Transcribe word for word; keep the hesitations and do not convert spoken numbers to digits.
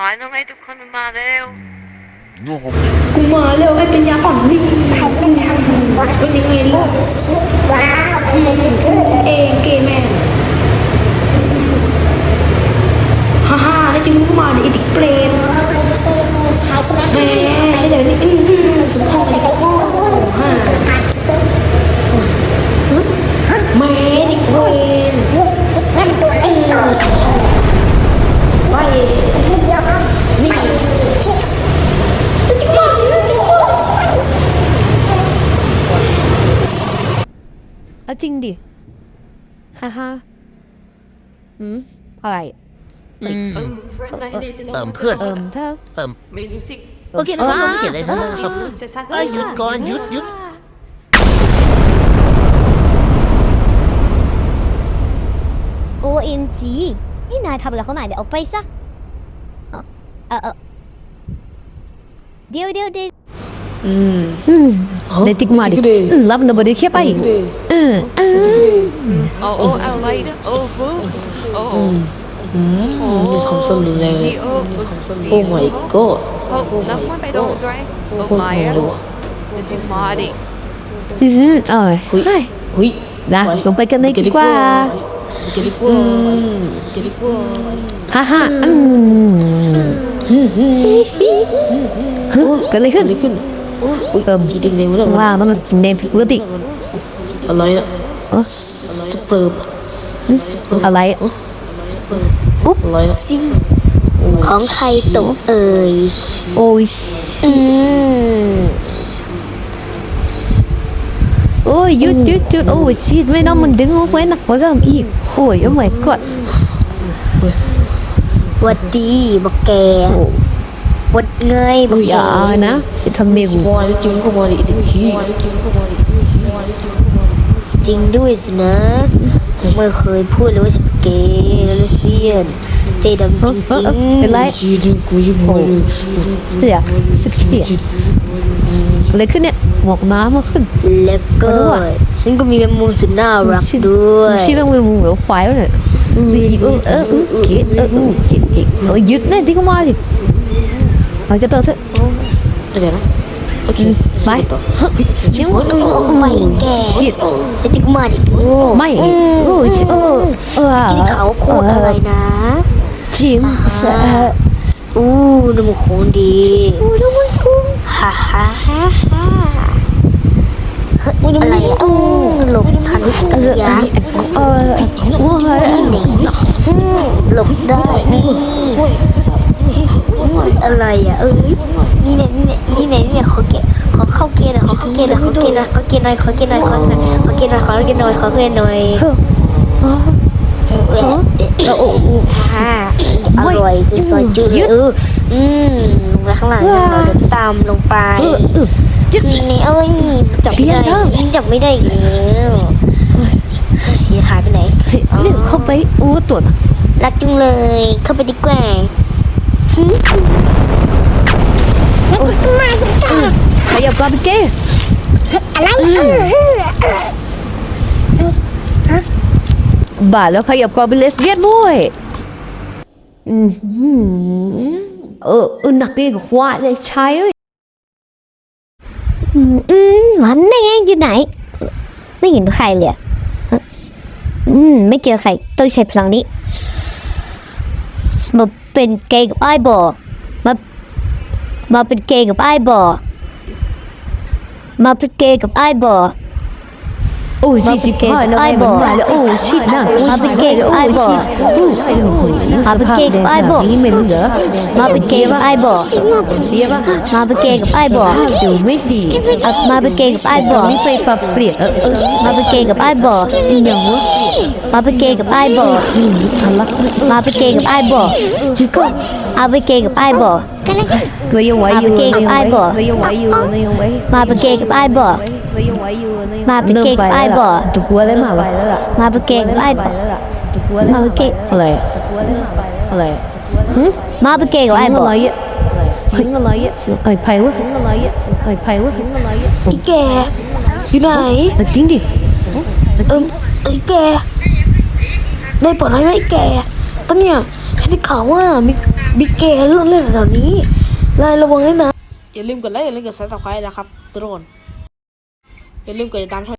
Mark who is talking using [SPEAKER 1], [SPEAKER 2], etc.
[SPEAKER 1] อยทำไมทุกคนมาเร็ว
[SPEAKER 2] กูมาเร็วไอ้เป็นยาอ่อนนี่เป็นยังไงล่ะเองเกย์แมนฮ่าฮ่าแล้วจึงมึงมาดิไอ้เด็กเปรตแม่ใช่เดี๋ยวนี้อือสมพงษ์ไอ้เด็กโง่ฮ่าแม่เด็กเวรเออสมพงษ์ไปนี่จึงมาจึงมา
[SPEAKER 3] เอาจริงดิฮ่าฮ่าอืมอะไร
[SPEAKER 4] อืม
[SPEAKER 1] เออ
[SPEAKER 4] เติมเพื่อน
[SPEAKER 3] เอิมเธอ
[SPEAKER 4] เติม
[SPEAKER 1] ไม่รู้สิ
[SPEAKER 4] โอเคนะครับผมเขียนอะไรซะนะครับ
[SPEAKER 1] จะซัก
[SPEAKER 4] เอ้ยหยุดก่อนหยุดหยุด
[SPEAKER 5] โอ เอ็ม จี นี่นายทำอะไรเขาไหนเดี๋ยวเอาไปซะเออเออเออเดี๋ยวเดี๋ยวเดี๋ยว
[SPEAKER 2] อืม
[SPEAKER 3] อืมเดี๋ยวจิกมาดิอืมรับนะบ่ได้แค่ไปเออเออ
[SPEAKER 1] โอ้โอ้อะไรนะโอ้ฟูโอ้โอ้
[SPEAKER 2] อืมนี่ทำส้นรุนแรงเลย
[SPEAKER 1] โอ้
[SPEAKER 2] โอ้ my god
[SPEAKER 1] เขานับมันไปโดนไรโอ้
[SPEAKER 2] โคตร
[SPEAKER 1] ไม่
[SPEAKER 2] งง
[SPEAKER 1] อะ
[SPEAKER 2] เลยวะ
[SPEAKER 1] จะมาดิ
[SPEAKER 3] อืมเอ้ย
[SPEAKER 2] เฮ้ย
[SPEAKER 3] เฮ้ย
[SPEAKER 2] เฮ้ย
[SPEAKER 3] นะลงไปกันเลยดีกว่า
[SPEAKER 2] เกลิกว่าเกลิกว่า
[SPEAKER 3] ฮ่าฮ่าอืมฮึเกิดอะไรขึ้น
[SPEAKER 2] อะไรขึ้นอุ้ย
[SPEAKER 3] เติม
[SPEAKER 2] สีแดงๆวะเนี่ย
[SPEAKER 3] ว้าวมันสีแดงผิดปกติ
[SPEAKER 2] อะไรนะสเปิร์ม
[SPEAKER 3] อะไร
[SPEAKER 5] อุ๊บ
[SPEAKER 2] อะไรนะ
[SPEAKER 5] ซิของใครตกเอ่ย
[SPEAKER 3] โอ้ย
[SPEAKER 5] อืม
[SPEAKER 3] โอ้ยหยุดหยุดหยุดโอ้ยชีดไม่น้องมันดึงเอาไว้หนักกว่าเดิมอีกโอ้ยโอ้ my god
[SPEAKER 5] หวัดดีบอกแกหวัดเงยบอก
[SPEAKER 3] อย่านะจะทำเมกู
[SPEAKER 2] ควายแล้วจึงก็มาดิเด็กขี้
[SPEAKER 5] จริงด้วยสินะไม่เคยพูดเลยว่าฉันเป็นเกย์และเลสเบี้ยนใจดำจ
[SPEAKER 3] เออเออ
[SPEAKER 5] ริง
[SPEAKER 3] เออเป็นไร
[SPEAKER 2] ชีดึงกูยิ่งหัวเลย
[SPEAKER 3] เสียสึกเสียอะไรขึ้นเนี่ยหมวกน้ำมาขึ้น
[SPEAKER 5] ๆแล้วก็ฉันก็มีแมงมุมสุดน่ารักด้วย
[SPEAKER 3] ชื่อมันเป็นหมูเหลือควายวะเนี่ยเออเออเออเขียเออเออเขียเขียเออหยุดเนี่ยที่ก็มาดิไปกันต่อเถอะ
[SPEAKER 2] เดี๋ยวนะโอเค
[SPEAKER 3] ไป
[SPEAKER 2] ยังหัวเลย
[SPEAKER 5] ไม่แก
[SPEAKER 3] ผิด
[SPEAKER 5] แต่ที่มาดิโง่
[SPEAKER 3] ไม่โอ้ยเออเออ
[SPEAKER 5] ที่เขาโคตรอะไรนะ
[SPEAKER 3] จิมเสะ
[SPEAKER 5] อู้น้ำมันคงดีฮ่าฮ่าฮ่าฮ่าอะไรอ่ะอู้หลบทัน
[SPEAKER 3] เออ
[SPEAKER 5] ยักษ์
[SPEAKER 3] เออว่าไง
[SPEAKER 5] หลบได้นี่อะไรอ่ะเอ้ยนี่เนี่ยนี่เนี่ยนี่เนี่ยนี่เนี่ยขอเกะขอเข้าเกณฑ์หน่อยขอเข้าเกณฑ์หน่อยขอเกณฑ์หน่อยขอเกณฑ์หน่อยขอเกณฑ์หน่อยขอเกณฑ์หน่อยขอเกณฑ์หน่อยขอเกณฑ์หน่อยขอเกณฑ์หน่อย
[SPEAKER 3] เออ
[SPEAKER 5] เออโอ้โหฮ่าอร่อยคือซอยจืดเลยเอออืมลงไปข้างหลังเราเดินตามลงไปนี่นี่เอ้ยจับไม่ได้จับไม่ได้อีกแล้วอย่าหายไปไหน
[SPEAKER 3] เรื่องเข้าไปอู้ตัวน่ะ
[SPEAKER 5] รักจุงเลยเข้าไปดีกว่าแล้วจะมาดิจ้า
[SPEAKER 3] ขยับก่อนไปเก้
[SPEAKER 5] อะไร
[SPEAKER 3] บ้าแล้วขยับก่อนเป็นเลสเบี้ยนด้วยอืมเออเออหนักดีกว่าเลยใช่เอ้ย
[SPEAKER 5] อืมอืมมันได้ไงอยู่ไหนไม่เห็นใครเลยอืมไม่เจอใครต้องใช้พลังนี้มาเป็นเกย์กับไอ้บอมามาเป็นเกย์กับไอ้บอมาเป็นเกย์กับไอ้บอ
[SPEAKER 3] โอ้สี่สิบห้าแล้วไอ้บอกแล้วโอ้ชิดนะมาเป็นเกย์ไอ้บอกมาเป็นเกย์ไอ้บอกนี่มันเหรอมาเป็นเกย์ไอ้บอกเสียป่ะมาเป็นเกย์กับไอ้บอกดูไม่ดีมาเป็นเกย์กับไอ้บอกนี่ไปปรับเปลี่ยนเออเออมาเป็นเกย์กับไอ้บอกอย่างวะมาเป็นเกย์กับไอ้บอกนี่ทะลักมาเป็นเกย์กับไอ้บอกจุก็มาเป็นเกย์กับไอ้บอกก็ยังไหวอยู่ก็ยังไหวก็ยังไหวอยู่ก็ยังไหวมาเป็นเกย์กับไอ้บอกก็ยังไหวอยู่มาเป็นเกย์กับไอ้บอกถูกหัวเลยมาไปแล้วล่ะมาเป็นเกย์กับไอ้บอกถูกหัวเลยมาเป็นเกย์อะไรอะไรมาเป็นเกย์กับไอ้บอกอะไรอ่ะสิงอะไรอ่ะไอ้ไผ่วะสิงอะไรอ่ะไอ้ไผ่วะสิงอะไรอ่ะ
[SPEAKER 2] ไอ้แกอยู่ไหน
[SPEAKER 3] จริงดิ
[SPEAKER 2] เอิมไอ้แกได้ปลดให้ไหมไอ้แกตอนเนี้ยฉันได้ข่าวว่ามี
[SPEAKER 5] บิ๊กแกเรื่องเล่นแถวนี้นายระวังด้วยนะ
[SPEAKER 2] อย่าลืมกดไลค์อย่าลืมกดซับสไครต์นะครับทุกคนอย่าลืมกดติดตามช่อง